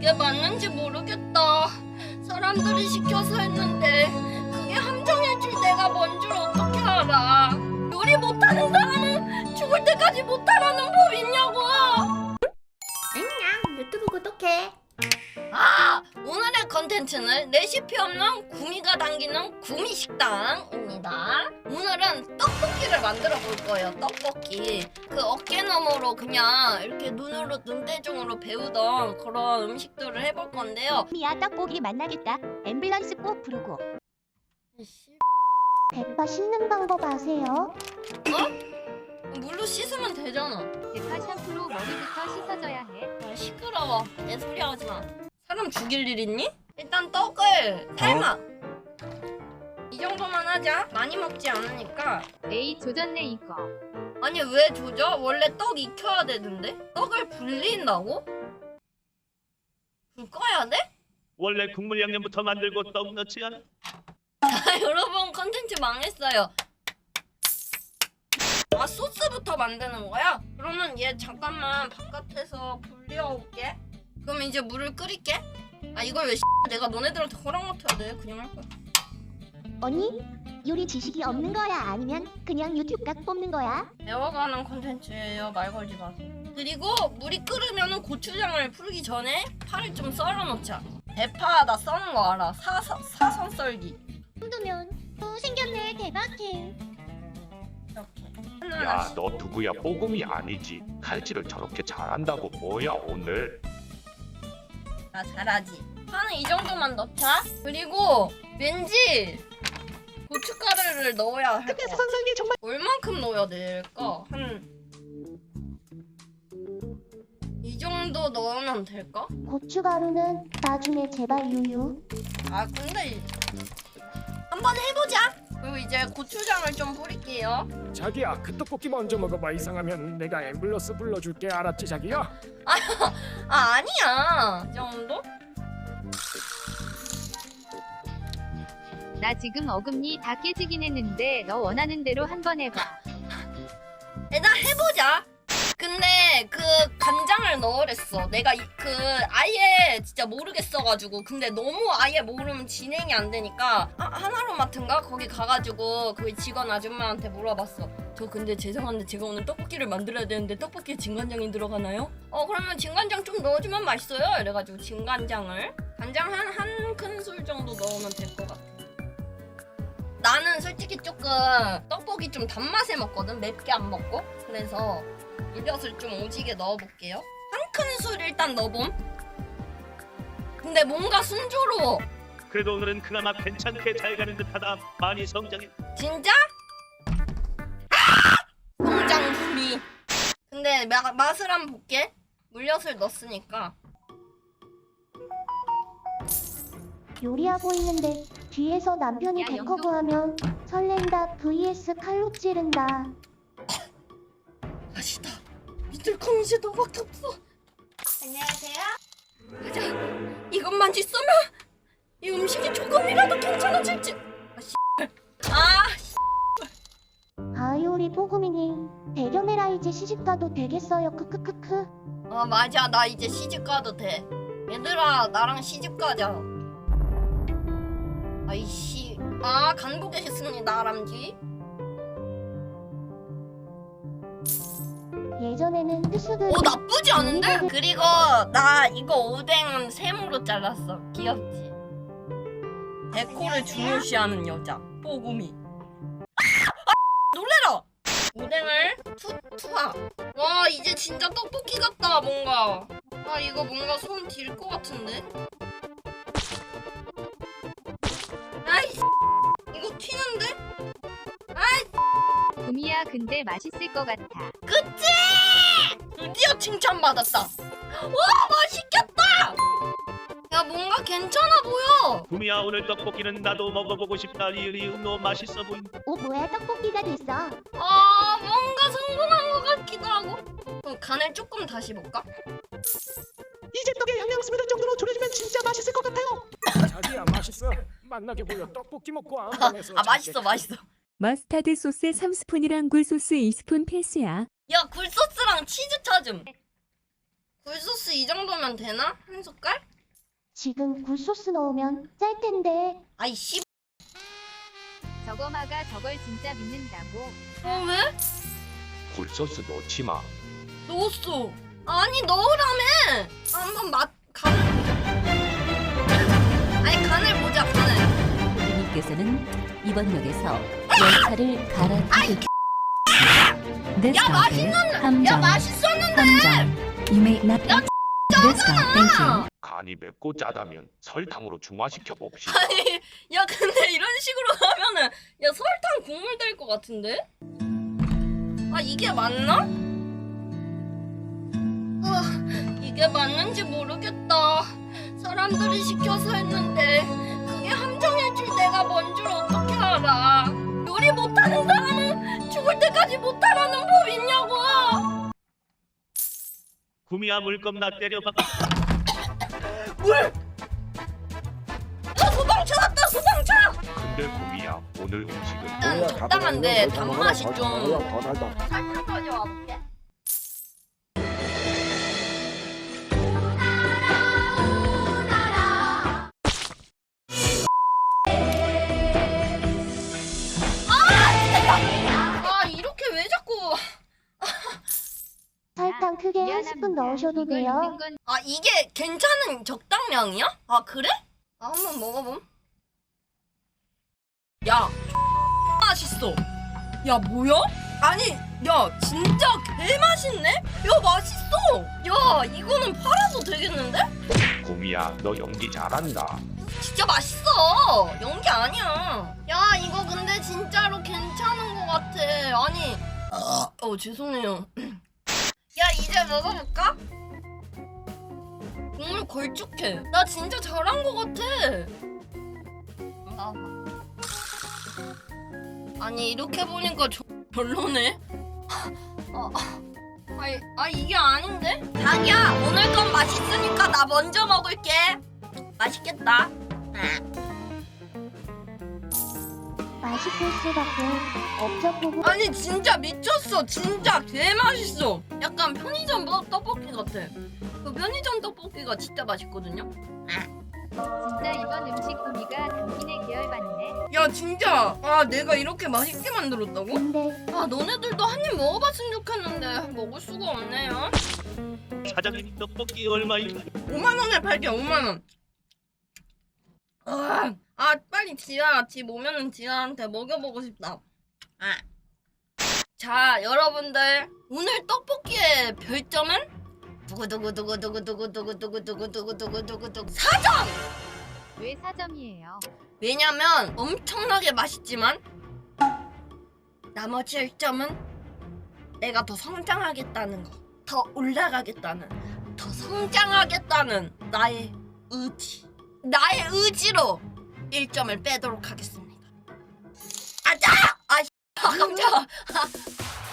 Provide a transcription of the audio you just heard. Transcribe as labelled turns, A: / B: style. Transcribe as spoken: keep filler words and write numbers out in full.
A: 그게 맞는지 모르겠다. 사람들이 시켜서 했는데 그게 함정일 줄 내가 뭔 줄 어떻게 알아. 요리 못하는 사람은 죽을 때까지 못하라는 법 있냐고.
B: 안녕, 유튜브 구독해.
A: 아! 오늘의 컨텐츠는 레시피 없는 구미가 당기는 구미식당입니다. 오늘은 떡볶이를 만들어 볼 거예요. 떡볶이. 그 어깨너머로 그냥 이렇게 눈으로 눈대중으로 배우던 그런 음식들을 해볼 건데요.
C: 미야 떡볶이 만나겠다. 앰뷸런스 꼭 부르고. 대파 씻는 방법 아세요?
A: 어? 물로 씻으면 되잖아.
D: 대파 샴푸로 머리부터 씻어줘야 해.
A: 아, 시끄러워. 내 소리 하지 마. 사람 죽일 일 있니? 일단 떡을 삶아. 이 정도만 하자. 많이 먹지 않으니까.
D: 에이 조졌네 이거.
A: 아니 왜 조져? 원래 떡 익혀야 되는데? 떡을 불린다고? 불 꺼야 돼?
E: 원래 국물 양념부터 만들고 떡 넣지 않아?
A: 자 여러분 컨텐츠 망했어요. 아 소스부터 만드는 거야? 그러면 얘 잠깐만 바깥에서 불려올게. 그럼 이제 물을 끓일게. 아 이걸 왜 내가 너네들한테 허락 맡아야 돼? 그냥 할 거야.
C: 언니? 요리 지식이 없는 거야? 아니면 그냥 유튜브 각 뽑는 거야?
A: 배워가는 콘텐츠예요. 말 걸지 마세요. 그리고 물이 끓으면 고추장을 풀기 전에 파를 좀 썰어 놓자. 대파 나 써는 거 알아. 사선, 사선 썰기.
C: 정도면 또 생겼네. 대박해.
A: 이렇게.
F: 야,
A: 하나하나씩.
F: 너 누구야? 뽀금이 아니지. 칼질을 저렇게 잘한다고 뭐야 오늘?
A: 나 잘하지. 파는 이 정도만 넣자. 그리고 왠지 고춧가루를 넣어야 할 것 같아. 정말... 얼만큼 넣어야 될까? 한... 이 정도 넣으면 될까?
C: 고춧가루는 나중에 제발 유유.
A: 아 근데 한번 해보자. 그리고 이제 고추장을 좀 뿌릴게요.
G: 자기야, 그 떡볶이 먼저 먹어봐. 이상하면 내가 앰뷸런스 불러줄게. 알았지, 자기야?
A: 아 아니야. 이 정도?
D: 나 지금 어금니 다 깨지긴 했는데 너 원하는 대로 한번 해봐.
A: 일단 해보자. 근데 그 간장을 넣으랬어. 내가 이, 그 아예 진짜 모르겠어가지고. 근데 너무 아예 모르면 진행이 안 되니까 아, 하나로마트인가 거기 가가지고 그 직원 아줌마한테 물어봤어. 저 근데 죄송한데 제가 오늘 떡볶이를 만들어야 되는데 떡볶이에 진간장이 들어가나요? 어 그러면 진간장 좀 넣어주면 맛있어요. 이래가지고 진간장을 간장 한 한 큰술 정도 넣으면 될 것 같아. 나는 솔직히 조금 떡볶이 좀 단맛에 먹거든. 맵게 안 먹고. 그래서 물엿을 좀 오지게 넣어볼게요. 한 큰술 일단 넣어봄. 근데 뭔가 순조로워.
E: 그래도 오늘은 그나마 괜찮게 잘 가는 듯하다. 많이 성장해.
A: 진짜? 아! 성장구미. 근데 마, 맛을 한번 볼게. 물엿을 넣었으니까.
C: 요리하고 있는데 뒤에서 남편이
D: 야,
C: 데커브하면 설렌다 vs 칼로 찌른다.
A: 맛있다. 믿을 건 이제 너밖에 없어.
B: 안녕하세요.
A: 가자. 이것만 있으면 이 음식이 조금이라도 괜찮아질지. 아 씨. 아
C: 아이오리 뽀금이님 대견해라. 이제 시집가도 되겠어요. 크크크크.
A: 아 맞아. 나 이제 시집 가도 돼. 얘들아 나랑 시집 가자. 아이씨. 아 간보겠습니다 아람쥐.
C: 예전에는 뜨수들
A: 오 나쁘지 않은데? 그리고 나 이거 오뎅은 세모로 잘랐어. 귀엽지? 데코를 중요시하는 여자 뽀구미. 아! 아! 놀래라! 오뎅을 투, 투하. 와 이제 진짜 떡볶이 같다 뭔가. 아 이거 뭔가 손 딜 것 같은데? 아이씨 이거 튀는데? 아이
D: 구미야 근데 맛있을 것 같아.
A: 그치? 드디어 칭찬받았다. 와 맛있겠다. 야 뭔가 괜찮아 보여.
E: 구미야, 오늘 떡볶이는 나도 먹어보고 싶다. 리을이 너 맛있어 보인.
C: 오 뭐야 떡볶이가 됐어.
A: 아 뭔가 성공한 것 같기도 하고. 그럼 간을 조금 다시 볼까?
G: 이제 떡에 영양 스며들 정도로 졸여주면 진짜 맛있을 것 같아요. 자기야, 맛있어. 만나게 보여. 떡볶이 먹고 안 보내서.
A: 아 맛있어 맛있어.
H: 머스타드 소스 삼 스푼이랑 굴소스 이 스푼 필수야.
A: 야 굴소스랑 치즈 찾음. 굴소스 이 정도면 되나? 한 숟갈?
C: 지금 굴소스 넣으면 짤 텐데.
A: 아이 씨.
D: 저거마가 저걸 진짜 믿는다고.
A: 어 왜?
F: 굴소스 넣지 마.
A: 넣었어. 아니 넣으라며. 한번 맛 간을 아니 간을 보자 간을.
I: 고객님께서는 이번 역에서 열차를 갈아타실 This
A: 야,
I: stop is
A: 야
I: 함정.
A: 맛있었는데.
I: 함정. You may not. This stop. Thank you.
F: 간이 맵고 짜다면 설탕으로 중화시켜 봅시다.
A: 아니 야 근데 이런 식으로 하면은 야 설탕 국물 될 것 같은데? 아 이게 맞나? 아 이게 맞는지 모르겠다. 사람들이 시켜서 했는데 그게 함정일 줄 내가 뭔 줄 어떻게 알아? 요리 못하는 사람은 죽을 때까지 못하라는 법 있냐고.
E: 구미야 물 겁나 때려박.
A: 물! 야 소방차 왔다 소방차!
F: 근데 구미야 오늘 음식은
A: 일단 적당한데 단맛이 좀 설탕 가져와 볼게. 아 이렇게 왜 자꾸
C: 설탕 크게 한 스푼 넣으셔도
D: 이걸
C: 돼요.
D: 있는 건
A: 아 이게 괜찮은 적당량이야? 아 그래? 아 한번 먹어봄. 야 맛있어. 야 뭐야? 아니 야 진짜 개 맛있네? 야 맛있어. 야 이거는 팔아도 되겠는데?
F: 구미야 너 연기 잘한다.
A: 진짜 맛있어. 연기 아니야. 야 이거 근데 진짜로 괜찮은 것 같아. 아니 어 죄송해요. 야 이제 먹어볼까? 국물 걸쭉해. 나 진짜 잘한 것 같아. 나와봐. 아니 이렇게 보니까 저, 별로네. 아, 아, 아 이게 아닌데? 자기야 오늘 건 맛있으니까 나 먼저 먹을게. 맛있겠다.
C: 맛있을 수밖에 없죠 부부.
A: 아니 진짜 미쳤어. 진짜 개 맛있어. 약간 편의점 뭐- 떡볶이 같아. 그 편의점 떡볶이가 진짜 맛있거든요.
D: 진짜 이번 음식 구미가 당신의 계열받네.
A: 야 진짜 아 내가 이렇게 맛있게 만들었다고?
C: 근데
A: 아 너네들도 한 입 먹어봤으면 좋겠는데 먹을 수가 없네요.
E: 사장님 떡볶이 얼마인가?
A: 오만 원에 팔게 오만 원. 아, 아 빨리 지아 집 오면은 지아한테 먹여보고 싶다. 아. 자 여러분들 오늘 떡볶이의 별점은 두구두구두구두구두구두구두구두구두구두구두구 사 점!
D: 왜 사 점이에요?
A: 왜냐면 엄청나게 맛있지만 나머지 일 점은 내가 더 성장하겠다는 거, 더 올라가겠다는, 더 성장하겠다는 나의 의지, 나의 의지로 일 점을 빼도록 하겠습니다. 아자! 아, 씨, 아 깜짝아.